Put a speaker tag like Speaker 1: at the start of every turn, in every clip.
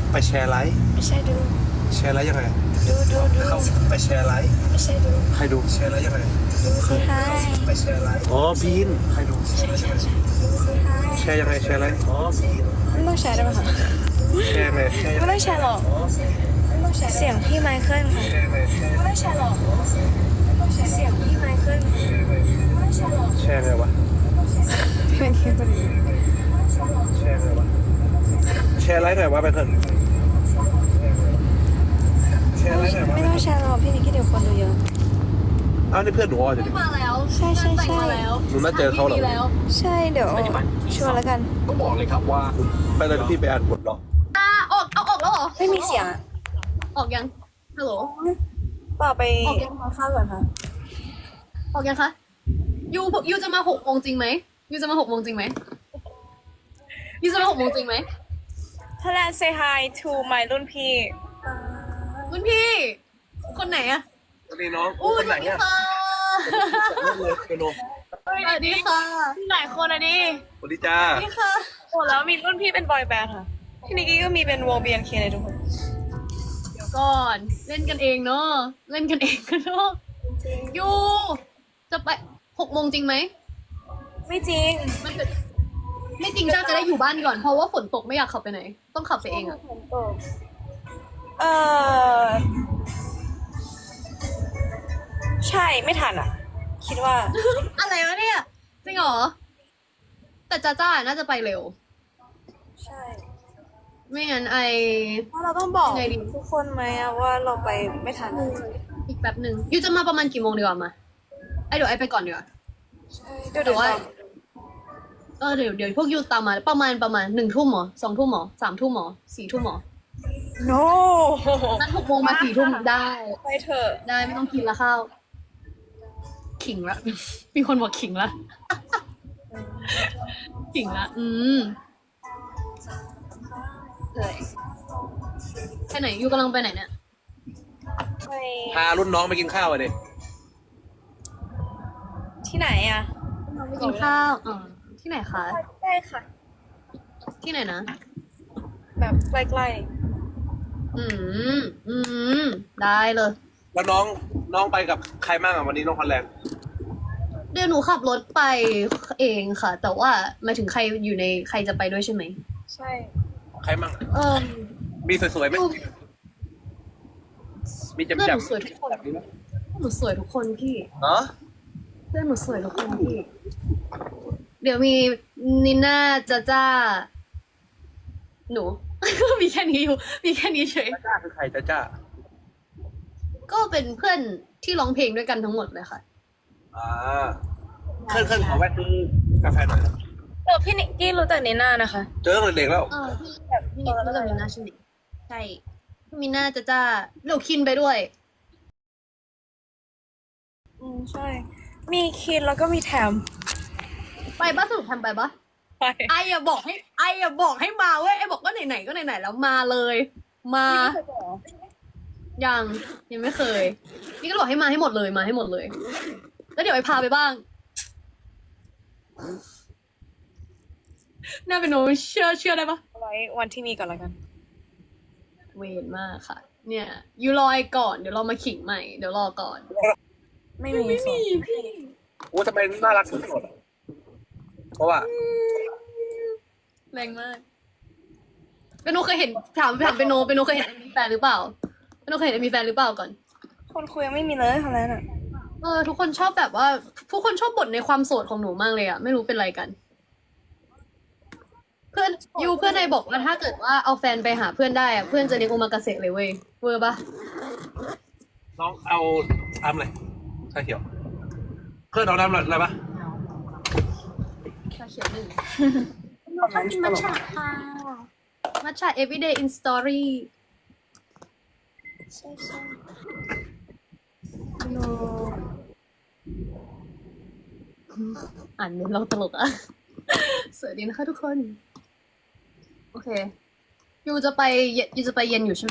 Speaker 1: ไปแชร์ไลฟ์
Speaker 2: ไม่ใช่ดู
Speaker 1: แชร์ไลฟ์ยังไง
Speaker 2: ดู
Speaker 1: เขาไปแชร์ไลฟ์
Speaker 2: ไม่ใช่ดู
Speaker 1: ใครดูแชร์ไลฟ์ยังไง
Speaker 2: ดูสิฮาย
Speaker 1: ไปแชร์ไลฟ์อ๋อบีนใครดูแชร์ไลฟ์ยังไง
Speaker 2: ดูสิฮาย
Speaker 1: แชร์ยังไงแชร์ไลฟ์อ๋อบีน
Speaker 2: ไม่ต้องแชร์ได้ไหมคะ
Speaker 1: แชร์ไงแชร์ยัง
Speaker 2: ไม่
Speaker 1: ไง
Speaker 2: ต้องแชร์หรอกไม่ต้องแชร์เสียงพี่ไมเคิลค่ะ
Speaker 1: แชร์ไงแชร์
Speaker 2: ไม่ต้องแชร์หรอกเสียงพี่ไมเคิลไม่ต้องแชร์หรอก
Speaker 1: แชร์ไงวะ
Speaker 2: พี่ไมเคิลเป็นยังไง
Speaker 1: แชร์ไงวะแชร์ไลฟ์หน่อยวะไปเถอะแชร์ไลฟ์หน่อยวะ
Speaker 2: ไม่ต้องแชร์หรอกพี่นิกกี้เดี๋ยวคนดูเยอะ
Speaker 1: อ้าวนี่เพื่อนหนูอ๋อจะดิ
Speaker 3: มาแล้ว
Speaker 2: ใช่ใช่ใช่
Speaker 3: มาแล้ว
Speaker 1: หนูน่าเจอเขาเหรอ
Speaker 3: แล้ว
Speaker 2: ใช่เดี๋ยวชวนแล้วกัน
Speaker 4: ก็บอกเลยครับว่า
Speaker 1: ไปเลยพี่ไปอ่านบทหรอ
Speaker 3: ออกเอาออกแล้วเหรอ
Speaker 2: ไม่มีเสียงอะ
Speaker 3: ออกยังฮัลโหล
Speaker 2: เปล่าไป
Speaker 3: ออกยัง
Speaker 2: ทานข้าวก่อนค่ะ
Speaker 3: ออกยังคะยูจะมา6 โมงจริงไหมยูจะมา6 โมงจริงไหมยูจะมา6 โมงจริงไหม
Speaker 2: Thailand say hi to my รุ่นพี่
Speaker 3: รุ่นพี่ คนไหนอะ
Speaker 1: สวัสดีน้อง
Speaker 3: อู้
Speaker 1: คนไหน
Speaker 3: สวัสดี
Speaker 1: เนี่ย
Speaker 3: ค่ะ
Speaker 1: เลยเปโน
Speaker 3: สวัสดีค่ะ
Speaker 2: หลายคนอะดิ
Speaker 1: สวัสดีจ้า
Speaker 3: สวัสดีค่ะ
Speaker 2: โอ้แล้วมีรุ่นพี่เป็นบอยแบนด์ค่ะ พี่นิกกี้ก็มีเป็นวง BNK เลยทุกคน
Speaker 3: เดี๋ยวก่อนเล่นกันเองเนาะเล่นกันเองกันเนาะยูจะไป6 โมงจริงไหม
Speaker 2: ไม่จริง
Speaker 3: มันเกิดไม่จริงจ้าจะได้อยู่บ้านก่อนเพราะว่าฝนตกไม่อยากขับไปไหน ต้องขับไปเองอะ
Speaker 2: เออใช่ไม่ทันอ่ะ คิดว่า
Speaker 3: อะไรวะเนี่ย จริงเหรอ แต่จ้าจ้าน่าจะไปเร็ว
Speaker 2: ใช่
Speaker 3: ไม่งั้นไอ
Speaker 2: เพราะเราต้องบอก
Speaker 3: ยังไงดี
Speaker 2: ทุกคนไหมอะว่าเราไปไม่ทัน
Speaker 3: อีกแป๊บหนึ่งยูจะมาประมาณกี่โมงดีกว่ามาไอเดี๋ยวไอไปก่อนดีกว่า
Speaker 2: ใช่เดี๋ยว
Speaker 3: แต่ว่าเดี๋ยวพวกยูตามมาประมาณ1 ทุ่มหรอ2 ทุ่มหรอ3 ทุ่มหรอ4 ทุ่มหรอ
Speaker 2: โน
Speaker 3: นั้น6 โมงมา4 ทุ่มได้
Speaker 2: ไปเถอะ
Speaker 3: ได้ไม่ต้องกินละข้าวขิงละ มีคนบอกขิงละขิงละเลยไปไหนยูกำลังไปไหนเนี่ย
Speaker 2: ไป
Speaker 1: พารุ่นน้องไปกินข้าวอ่ะดิ
Speaker 2: ที่ไหนอะ
Speaker 3: ไปกินข้าวที่ไหนคะ
Speaker 2: ได้ค่ะ
Speaker 3: ที่ไหนนะ
Speaker 2: แบบใกล้
Speaker 3: อืมได้เลย
Speaker 1: แล้วน้องไปกับใครบ้างอ่ะวันนี้น้องคอนแลนด์
Speaker 3: เดี๋ยวหนูขับรถไปเองค่ะ แต่ว่าหมายถึงใครอยู่ในใครจะไปด้วยใช่ไหม
Speaker 2: ๆ ใช่
Speaker 1: ใครบ้าง มีสวยๆไหม
Speaker 3: ดู
Speaker 1: มีแจ่
Speaker 3: เพื่อนห
Speaker 1: ม
Speaker 3: นูสวยทุกคน
Speaker 1: ๆแบบนี้ไหม
Speaker 3: หนูสวยทุกคนพี่
Speaker 1: เนาะ
Speaker 3: เพื่อนหนูสวยทุกคนพี่ เดี๋ยวมีนิน่าจ้าหนู มีแค่นี้อยู่ มีแค่นี้เฉย
Speaker 1: จ้าคือใครจ้าจ้า
Speaker 3: ก็เป็นเพื่อนที่ร้องเพลงด้วยกันทั้งหมดเลยค่ะ
Speaker 1: เคลื่อนขอแวะซื้อกาแฟหน่อยนะ
Speaker 2: พี่นิกกี้รู้จักนีน่านะคะ
Speaker 1: เจอตั้งแต่เด็กแล้ว
Speaker 3: พี่แบบพี่นิดรู้จักมิน่าใช่ไหมใช่พี่มิน่าจ้าเดี๋ยวคินไปด้วย
Speaker 2: ใช่ มีคินแล้วก็มีแถม
Speaker 3: ไปบ้าสรุปทำไปปะ
Speaker 2: ไป
Speaker 3: ไออย่าบอกให้มาเว้ยไอบอกว่าไหนๆก็ไหนๆแล้วมาเลย มายังไม่เคย นี่ก็บอกให้มาให้หมดเลยมาให้หมดเลย แล้วเดี๋ยวไอพาไปบ้างน่าเป็นโนเชื่อได้ปะ
Speaker 2: ไว้วันที่มีก่อนแล้วกัน
Speaker 3: เวรมากค่ะ เนี่ยยูรอไอก่อนเดี๋ยวเรามาขิงใหม่เดี๋ยวรอก่อน
Speaker 2: ไม่มีส่ง
Speaker 1: โอ้ทำไมน่ารักสุดๆเพราะว่า
Speaker 3: แรงมากเปนโนเคยเห็นถามเปนโนเคยเห็นมีแฟนหรือเปล่าเปนโนเคยเห็นมีแฟนหรือเปล่าก่อน
Speaker 2: คนคุยยังไม่มีเลยค่ะแล้วน่ะ
Speaker 3: ทุกคนชอบแบบว่าทุกคนชอบบ่นในความโสดของหนูมากเลยอะไม่รู้เป็นไรกัน เพื่อนนายบอกว่าถ้าเกิดว่าเอาแฟนไปหาเพื่อนได้อะเพื่อนจะเลี้ยงโอมากาเสะเลยเว้ยเวอร์ปะ
Speaker 1: น้องเอาน้ำอะไรชาเขียวเพื่อนเอาน้ำอะไรปะ
Speaker 3: ชาเขียวหนึ่งเราชอบกินมัทฉะค่ะมัทฉะ everyday in story
Speaker 2: ใช่ใช่
Speaker 3: โนอ่านเมนเราตลกอะ สวัสดีนะคะทุกคน โอเคยูจะไปเย็นอยู่ใช่ไหม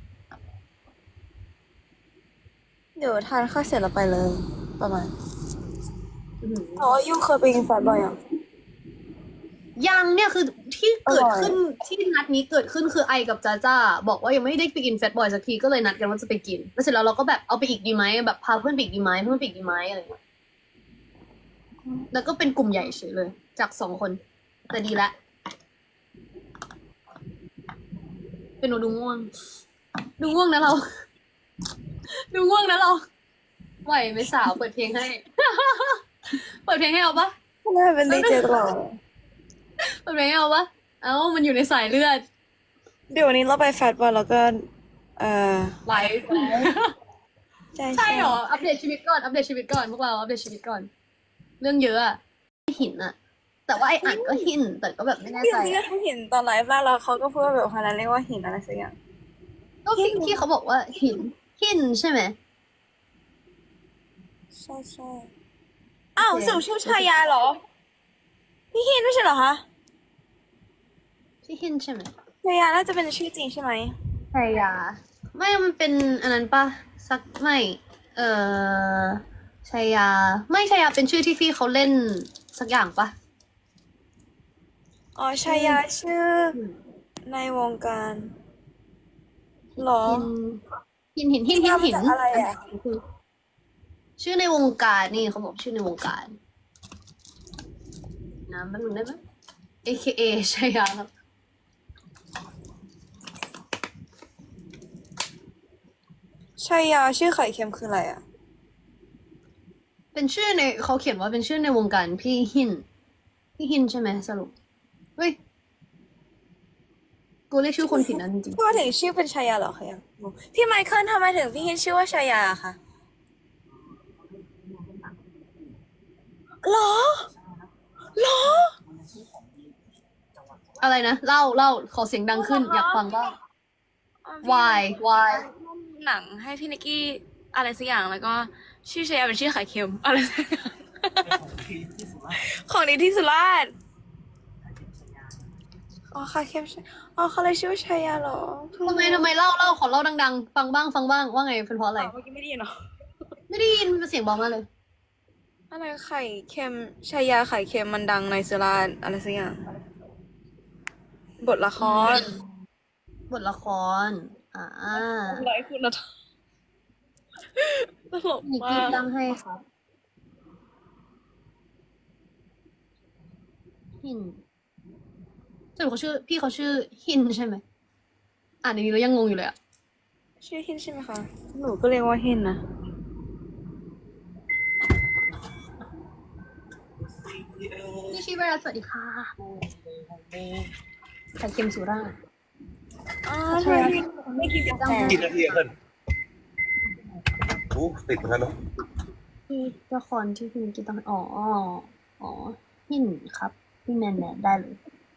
Speaker 2: เดี๋ยวทานข้าวเสร็จแล้วไปเลย ประมาณ
Speaker 3: อื้อหือ
Speaker 2: อ๋อยูเคยไปกินแฟนบ่อยอ่ะ
Speaker 3: ยังเนี่ยคือที่เกิดขึ้นที่นัดนี้เกิดขึ้นคือไอกับจ้าจ้าบอกว่ายังไม่ได้ไปกินแฟตบอยสักทีก็เลยนัดกันว่าจะไปกินแล้วเสร็จแล้วเราก็แบบเอาไปอีกดีไหมแบบพาเพื่อนไปอีกดีไหมเพื่อนไปอีกดีไหมอะไรเงี้ยแล้วก็เป็นกลุ่มใหญ่เฉยเลย จาก2 คนแต่ดีละเป็นหนูดูง่วงนะเรา ดูง่วงนะเราไหวไหมสาวเปิดเพลงให้ เปิดเพลงให้เอาปะ
Speaker 2: น่าเป็นดีเจตลอด
Speaker 3: เปิดเพลงให้เอาปะมันอยู่ในสายเลือด
Speaker 2: เดี๋ยววันนี้เราไปแฟตบอลแล้วก็
Speaker 3: ไลฟ์
Speaker 2: ใช่
Speaker 3: ใช่เหรอ อัปเดตชีวิตก่อน อัปเดตชีวิตก่อน พวกเราอัปเดตชีวิตก่อน เรื่องเยอะอะหินอะแต่ว่าไออ่านก็หิน แต่ก็แบบไม่แน่
Speaker 2: พี่
Speaker 3: ใจ
Speaker 2: ที่เขาเห็นตอนไลฟ์แล้วเขาก็พูดว่าแบบคนนั้นเรียกว่าหินอะไรสักอย่าง
Speaker 3: ก็ที่เขาบอกว่าหินใช่ไหม
Speaker 2: ใช่อ้าวสรุปชื่อชายาเหรอ พี่หินไม่ใช่เหรอคะ
Speaker 3: ที่หินใช่ไหม
Speaker 2: ชายาน่าจะเป็นชื่อจริงใช่ไหม
Speaker 3: ชายา ไม่ มันเป็นอันนั้นปะสักไม่ ชายา ไม่ชายาเป็นชื่อที่พี่เขาเล่นสักอย่างปะ
Speaker 2: อ๋อชายาชื่อในวงการเหรอ
Speaker 3: หิน
Speaker 2: มาจากอะไรอะ
Speaker 3: ชื่อในวงการนี่เขาบอกชื่อในวงการนะแป๊บนึงได้ไหม AKA ชายาครับ
Speaker 2: ชายาชื่อไข่เค็มคืออะไรอ่ะ
Speaker 3: เป็นชื่อในเขาเขียนว่าเป็นชื่อในวงการพี่หินใช่ไหมสรุปเฮ้ยกูเรียกชื่อคนผิดนะจริง
Speaker 2: พี่ว่าถึงชื่อเป็นชายาเหรอคะยังงงพี่ไมเคิลทำไมถึงพี่หินชื่อว่าชายาคะหรอ
Speaker 3: ๆอะไรนะเล่าขอเสียงดังขึ้นอยากฟังบ้าง why
Speaker 2: หนังให้พี่นิกกี้อะไรสักอย่างแล้วก็ชื่อชายาเป็นชื่อไข่เค็มอะไรสักอย่างของดีที่สุราษฎร์อ๋อไข่เค็มอ๋อเขาเลยชื่อว่าชายาเหรอ
Speaker 3: ทำไมเล่าขอเล่าดังๆฟังบ้างว่าไงเป็นเพราะอะไร
Speaker 2: เมื่อกี้ไม่ได้ยินเหรอ
Speaker 3: ไม่ได้ยินมันเสียงเบามากเลย
Speaker 2: อะไรไข่เค็มชายาไข่เค็มมันดังในสุราษฎร์อะไรสักอย่างบทละคร
Speaker 3: บทละคร
Speaker 2: ไรคุณนะตลก
Speaker 3: นิก
Speaker 2: มา
Speaker 3: กี้
Speaker 2: ก
Speaker 3: ตั้งให้ครับหินสรุปพี่เขาชื่อหินใช่ไหมอ่านในนี้แล้วยังงงอยู่เลยอะ
Speaker 2: ชื่อหินใช่ไหมคะหนูก็เรียกว่าหินนะ
Speaker 3: นี่ชีวราสวัสดีค่ะไข่เค็มสุราษฎร์
Speaker 2: อ๋อใช่ไม่กินกาแฟ
Speaker 1: กี่นาทีอะเพื่อนโอ้ติดเหมือนกันเนาะ
Speaker 3: ที่ละครที่พี่นิกกี้ตั้งอ๋อหินครับพี่แมนได้เลย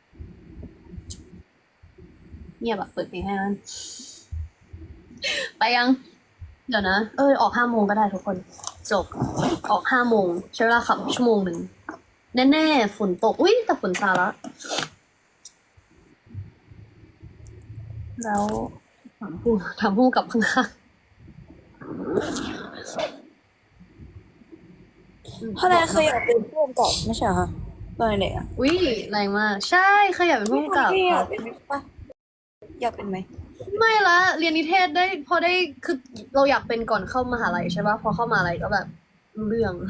Speaker 3: เงียบอะเปิดเพลงให้มันไปยัง เดี๋ยวนะออก5 โมงก็ได้ทุกคนจบออก5 โมงใช้เวลาขับ1 ชั่วโมงแน่ๆฝนตกอุ้ยแต่ฝนซาแล้วแล้วถามผู้กับข้าง
Speaker 2: เพราะนายเคยอยากเป็นผู้กำกับไม่ใช่เหรอคะตอนเด็กอ่ะ
Speaker 3: อุ้ยแรงมากใช่เคยอยากเป็นผู้กำกับ
Speaker 2: พี่อ
Speaker 3: ค
Speaker 2: ยา
Speaker 3: รั
Speaker 2: ก
Speaker 3: บ
Speaker 2: เป็นไหมปะอยากเป็นไหม
Speaker 3: ไม่ละเรียนนิเทศได้พอได้คือเราอยากเป็นก่อนเข้ามหาลัยใช่ปะพอเข้ามหาลัยก็แบบรู้เรื่อง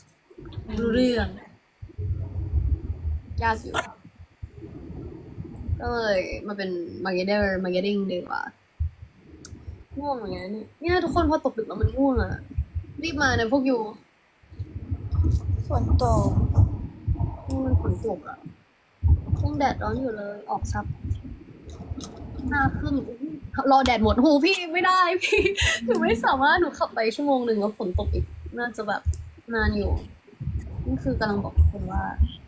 Speaker 3: ยากอยู่ก็เลยมาเป็นมาร์เก็ตติ้งดีกว่าง่วงเหมือนกันเนี่ยทุกคนพอตกดึกแล้วมันง่วงอ่ะรีบมานะพวกอยู่
Speaker 2: ฝนตก
Speaker 3: มันฝนตกอ่ะยังแดดร้อนอยู่เลยออกซับ5 ครึ่งรอแดดหมดหูพี่ไม่ได้พี่หนูไม่สามารถหนูขับไป1 ชั่วโมงแล้วฝนตกอีกน่าจะแบบนานอยู่นี่คือกำลังบอกทุกคนว่า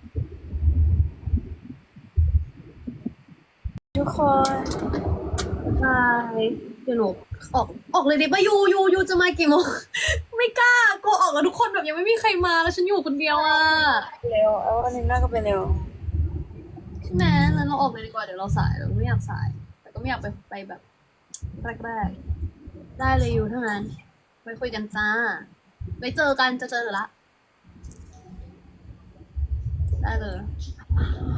Speaker 2: ทุกคน
Speaker 3: ใช่เดี๋ยวหนูออกเลยดิป่ะยูจะมากี่โมง ไม่กล้ากลัวออกแล้วทุกคนแบบยังไม่มีใครมาแล้วฉันอยู่คนเดียวอ่ะ
Speaker 2: เร็วเอาอันนี้น่าก็ไปเร็ว
Speaker 3: ใช่ไหมแล้วเราออกเลยดีกว่าเดี๋ยวเราสายเราไม่อยากสาย แต่ก็ไม่อยากไปแบบแรกๆได้เลยยูเท่านั้นไว้คุยกันจ้าไว้เจอกันจะเจอละได้เลย